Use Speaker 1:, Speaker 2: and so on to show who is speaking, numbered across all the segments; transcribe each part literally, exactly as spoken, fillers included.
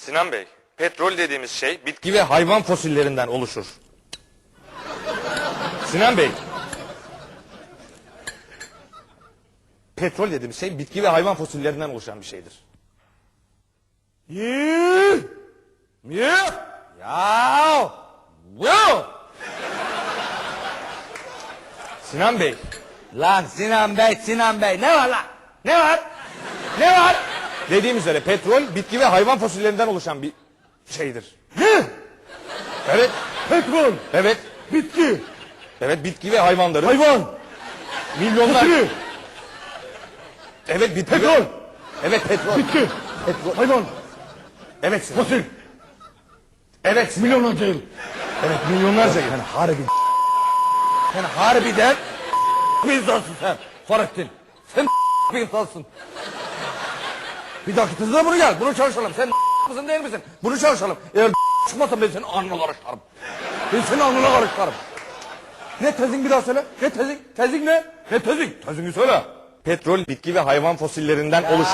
Speaker 1: Sinan Bey, petrol dediğimiz şey bitki ve hayvan fosillerinden oluşur. Sinan Bey, petrol dediğimiz şey bitki ve hayvan fosillerinden oluşan bir şeydir.
Speaker 2: Yuh! Yuh! Ya! Yuh!
Speaker 1: Sinan Bey,
Speaker 2: Lan Sinan Bey, Sinan Bey ne var lan? Ne var? Ne var?
Speaker 1: dediğim üzere petrol bitki ve hayvan fosillerinden oluşan bir şeydir.
Speaker 2: Ne?
Speaker 1: Evet,
Speaker 2: Petrol,
Speaker 1: evet,
Speaker 2: bitki,
Speaker 1: evet bitki ve hayvanların
Speaker 2: hayvan,
Speaker 1: milyonlar...
Speaker 2: fosil,
Speaker 1: Evet bitki
Speaker 2: petrol,
Speaker 1: ve... Evet petrol.
Speaker 2: bitki,
Speaker 1: Petrol.
Speaker 2: hayvan,
Speaker 1: Evet Sinan.
Speaker 2: fosil,
Speaker 1: Evet Sinan.
Speaker 2: milyonlarca yıl.
Speaker 1: Evet milyonlarca yıl.
Speaker 2: Sen harbi... Sen harbiden bir insansın sen. Fahrettin. Sen bir insansın. Bir dakika tezine bunu gel. Bunu çalışalım. Sen mısın değil misin? Bunu çalışalım. Eğer çıkmazsa ben senin alnına karıştırırım. Ben senin alnına karıştırırım. Ne tezin bir daha söyle. Ne tezin? Tezin ne? Ne tezin? Tezini söyle.
Speaker 1: Petrol bitki ve hayvan fosillerinden oluşur.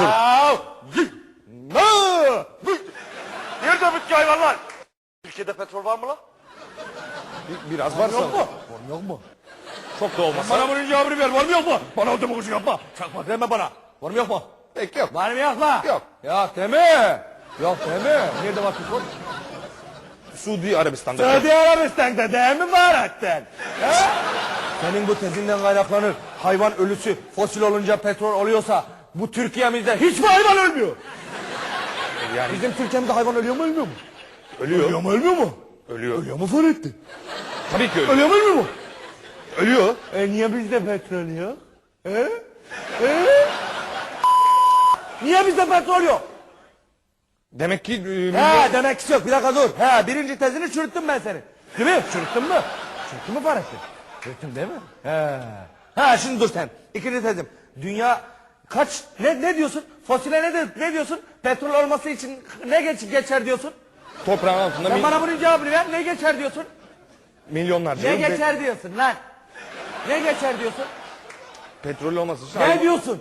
Speaker 2: Nerede bitki hayvanlar? Türkiye'de petrol var mı lan?
Speaker 1: Bir- biraz var
Speaker 2: Yok mu?
Speaker 1: sanırım.
Speaker 2: Var mı yok mu?
Speaker 1: Çok da olmasa.
Speaker 2: Bana bunun cevabını ver. Var mı yok mu? Bana o demagoji yapma. Çakma deme bana. Var mı yok mu?
Speaker 1: Pek yok.
Speaker 2: Var mı yok mu?
Speaker 1: Yok.
Speaker 2: Yok deme. Yok deme. Nerede var petrol?
Speaker 1: Suudi Arabistan'da.
Speaker 2: Suudi Arabistan'da değil mi Bahattin? Senin bu tezinden kaynaklanır. Hayvan ölüsü fosil olunca petrol oluyorsa bu Türkiye'mizde hiç mi hayvan ölmüyor?
Speaker 1: Yani
Speaker 2: Bizim Türkiye'mizde hayvan ölüyor mu ölmüyor mu?
Speaker 1: ölüyor.
Speaker 2: Ölüyor mu ölmüyor mu?
Speaker 1: Ölüyor.
Speaker 2: Ölüyor mu Fahrettin?
Speaker 1: Tabii ki ölüyor.
Speaker 2: Ölüyor mu ölmüyor mu?
Speaker 1: Ölüyor.
Speaker 2: E niye bizde petrol yok? He? He? Niye bizde petrol yok?
Speaker 1: Demek ki... E, milyon-
Speaker 2: He demek ki yok. Bir dakika dur. He birinci tezini çürüttüm ben seni. Değil mi? Çürüttün mü? Çürüttün mü Fahrettin? Çürüttüm değil mi? He. Ha şimdi dur sen. İkinci tezim. Dünya kaç ne ne diyorsun? Fosile ne de, ne diyorsun? Petrol olması için ne geç, geçer diyorsun?
Speaker 1: Toprağın altında
Speaker 2: Sen
Speaker 1: mi-
Speaker 2: bana bunun cevabını ver. Ne geçer diyorsun?
Speaker 1: milyonlarca
Speaker 2: Ne
Speaker 1: yıl.
Speaker 2: geçer diyorsun lan? Ne geçer diyorsun?
Speaker 1: Petrol olması için...
Speaker 2: Ne
Speaker 1: hayvan-
Speaker 2: diyorsun?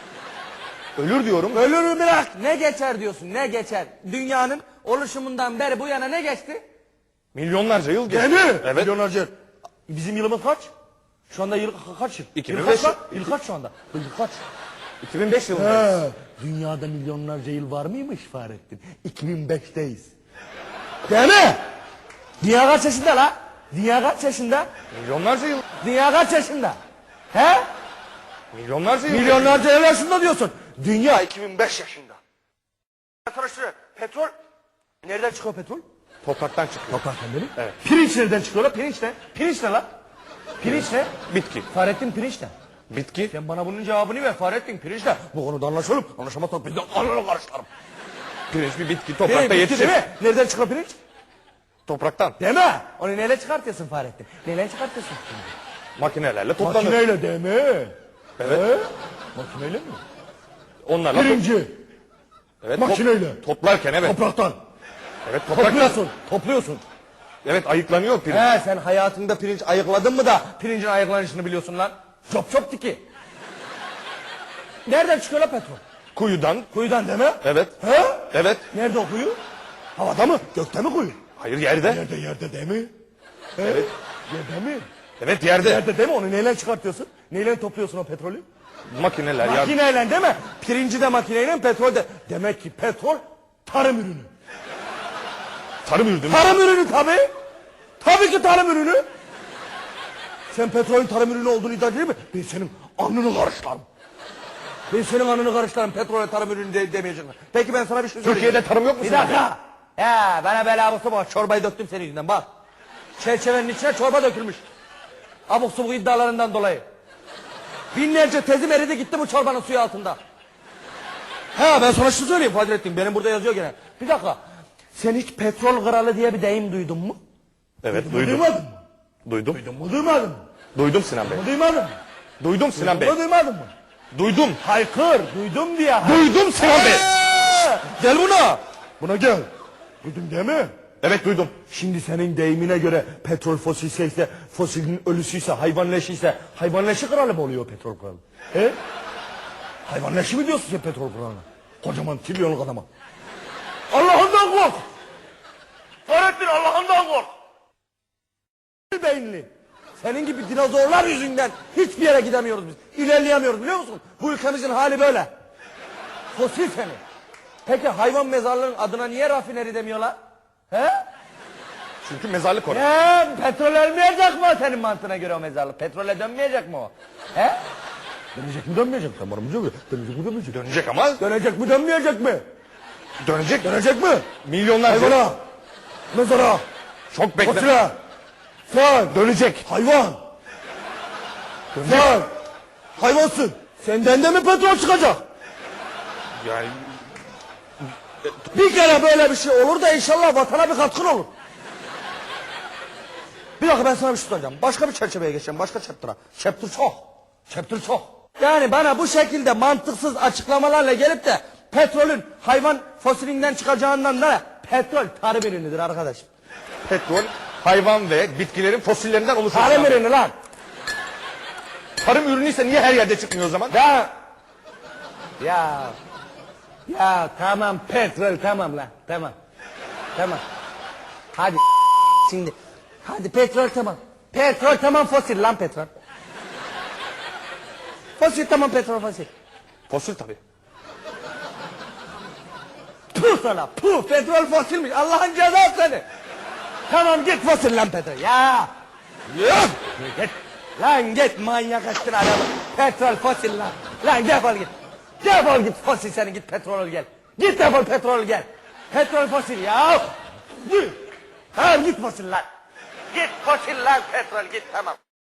Speaker 1: Ölür diyorum.
Speaker 2: Ölür bırak. Ne geçer diyorsun? Ne geçer? Dünyanın oluşumundan beri bu yana ne geçti?
Speaker 1: Milyonlarca yıl geçti.
Speaker 2: Değil mi?
Speaker 1: Evet.
Speaker 2: Milyonlarca. Bizim yılımız kaç? Şu anda yıl ka- kaç yıl?
Speaker 1: iki bin
Speaker 2: Yıl
Speaker 1: beş
Speaker 2: kaç lan? Yıl kaç şu anda? Yıl kaç?
Speaker 1: iki bin beş yılındayız.
Speaker 2: He, dünyada milyonlarca yıl var mıymış Fahrettin? iki bin beşteyiz. Değil mi? Dünya kaç yaşında la? Dünya kaç yaşında?
Speaker 1: Milyonlarca yıl.
Speaker 2: Dünya kaç yaşında? He?
Speaker 1: Milyonlarca yıl.
Speaker 2: Milyonlarca yıl yaşında diyorsun. Dünya iki bin beş yaşında. Arkadaşlar petrol nereden çıkıyor petrol?
Speaker 1: Topraktan çıkıyor.
Speaker 2: Topraktan değil mi?
Speaker 1: Evet.
Speaker 2: Pirinç nereden çıkıyor la? Pirinç ne? Pirinç ne la? Pirinç ne?
Speaker 1: Bitki.
Speaker 2: Fahrettin pirinç ne?
Speaker 1: Bitki.
Speaker 2: Sen bana bunun cevabını ver Fahrettin pirinç ne? Bu konuda anlaşalım. Anlaşamazsak biz de alnına karıştırırım.
Speaker 1: Pirinç bir bitki.
Speaker 2: Pirinç
Speaker 1: Toprakta
Speaker 2: bitki
Speaker 1: yetişir.
Speaker 2: değil mi? Nereden çıkıyor pirinç?
Speaker 1: Topraktan.
Speaker 2: Deme. Onu neyle çıkartıyorsun Fahrettin? Neyle çıkartıyorsun?
Speaker 1: Makinelerle toplanır.
Speaker 2: Makineyle deme.
Speaker 1: Evet.
Speaker 2: He? Makineyle mi?
Speaker 1: Onlarla top-
Speaker 2: Pirinci.
Speaker 1: evet, top-
Speaker 2: makineyle.
Speaker 1: toplarken evet.
Speaker 2: Topraktan.
Speaker 1: Evet topraktan.
Speaker 2: Topluyorsun. Topluyorsun.
Speaker 1: Evet ayıklanıyor pirinç.
Speaker 2: He sen hayatında pirinç ayıkladın mı da pirincin ayıklanışını biliyorsun lan? Çop çop tiki. Nereden çıkıyor la petrol?
Speaker 1: Kuyudan.
Speaker 2: Kuyudan deme.
Speaker 1: Evet.
Speaker 2: He?
Speaker 1: Evet.
Speaker 2: Nerede o kuyu? Havada mı? Gökte mi kuyu?
Speaker 1: Hayır yerde.
Speaker 2: Yerde yerde değil mi? He?
Speaker 1: Evet.
Speaker 2: Yerde mi?
Speaker 1: Evet yerde.
Speaker 2: Yerde değil mi? Onu neyle çıkartıyorsun? Neyle topluyorsun o petrolü?
Speaker 1: Makineler. Ya...
Speaker 2: Makineyle değil mi? Pirinci de makineyle, petrol de. Demek ki petrol tarım ürünü.
Speaker 1: Tarım ürünü.
Speaker 2: Tarım ürünü tabii. Tabii ki tarım ürünü. Sen petrolün tarım ürünü olduğunu iddia değil mi? Ben senin alnını karışlarım. Ben senin alnını karışlarım. Petrole tarım ürünü de, demeyeceğim. Peki ben sana bir şey söyleyeyim.
Speaker 1: Türkiye'de tarım yok mu?
Speaker 2: Bir
Speaker 1: senin?
Speaker 2: dakika. Ya bana bela abuk sabuk çorbayı döktüm senin yüzünden bak. Çerçevenin içine çorba dökülmüş. Abuk sabuk iddialarından dolayı. Binlerce tezim eridi gitti bu çorbanın suyu altında. Ha ben sana şunu söyleyeyim Fadrettin. Benim burada yazıyor gene. Bir dakika. Sen hiç petrol kralı diye bir deyim duydun mu?
Speaker 1: Evet
Speaker 2: Duydun mu,
Speaker 1: duydum.
Speaker 2: Duymadın mı?
Speaker 1: Duydum.
Speaker 2: Duydun mu duymadın mı?
Speaker 1: Duydum Sinan Bey.
Speaker 2: Duymadın mı?
Speaker 1: Duydum Sinan Bey.
Speaker 2: Duydun mu duymadın mı?
Speaker 1: Duydum.
Speaker 2: Haykır duydum diye.
Speaker 1: Duydum Sinan Bey.
Speaker 2: Ha, gel buna. Buna gel. Duydun değil mi?
Speaker 1: Evet duydum.
Speaker 2: Şimdi senin deyimine göre petrol fosilse ise, fosilin ölüsüyse, hayvan leşiyse, hayvan leşi kralı mı oluyor petrol kralı? He? Hayvan leşi mi diyorsun sen petrol kralına? Kocaman trilyonluk adama. Allah'ından bir Allah'ından kork. Beyinli. Senin gibi dinozorlar yüzünden hiçbir yere gidemiyoruz biz. İlerleyemiyoruz biliyor musun? Bu ülkemizin hali böyle. Fosil seni. Peki hayvan mezarlığının adına niye rafineri demiyorlar? He?
Speaker 1: Çünkü mezarlık orası.
Speaker 2: He, petrol ölmeyecek mi o senin mantığına göre o mezarlık? Petrole dönmeyecek mi o? He? Dönecek mi dönmeyecek mi? Tamam mı? Dönecek mi dönmeyecek mi?
Speaker 1: Dönecek ama
Speaker 2: Dönecek mi dönmeyecek mi?
Speaker 1: dönecek.
Speaker 2: Dönecek mi?
Speaker 1: Milyonlarca.
Speaker 2: Hayvana, mezara,
Speaker 1: Çok bekle.
Speaker 2: fosile, sen,
Speaker 1: Dönecek.
Speaker 2: hayvan. Sen, hayvansın. Senden de mi petrol çıkacak?
Speaker 1: Yani
Speaker 2: Bir kere böyle bir şey olur da inşallah vatana bir katkın olur. Bir dakika ben sana bir şey soracağım. Başka bir çerçeveye geçeceğim. Başka chapter'a. Chapter çok. Chapter çok. Yani bana bu şekilde mantıksız açıklamalarla gelip de petrolün hayvan fosilinden çıkacağından da petrol tarım ürünüdür arkadaş.
Speaker 1: petrol, hayvan ve bitkilerin fosillerinden oluşuyor.
Speaker 2: Tarım ürünü lan.
Speaker 1: Tarım ürünüyse niye her yerde çıkmıyor o zaman?
Speaker 2: Ya. Ya. Ya tamam petrol tamam lan. Tamam. Tamam. Hadi şimdi. Hadi petrol tamam. Petrol tamam fosil lan petrol. Fosil tamam petrol fosil.
Speaker 1: Fosil tabii.
Speaker 2: Puh sana puh petrol fosilmiş Allah'ın cezası seni. Tamam git fosil lan petrol ya. Yok. Git. Lan git manyak ettin adamı. Petrol fosil lan. Lan defol git. Defol git fosil seni git petrol gel. Git defol petrol gel. Petrol fosil ya. Git. Tamam git fosil lan. Git fosil lan petrol git tamam.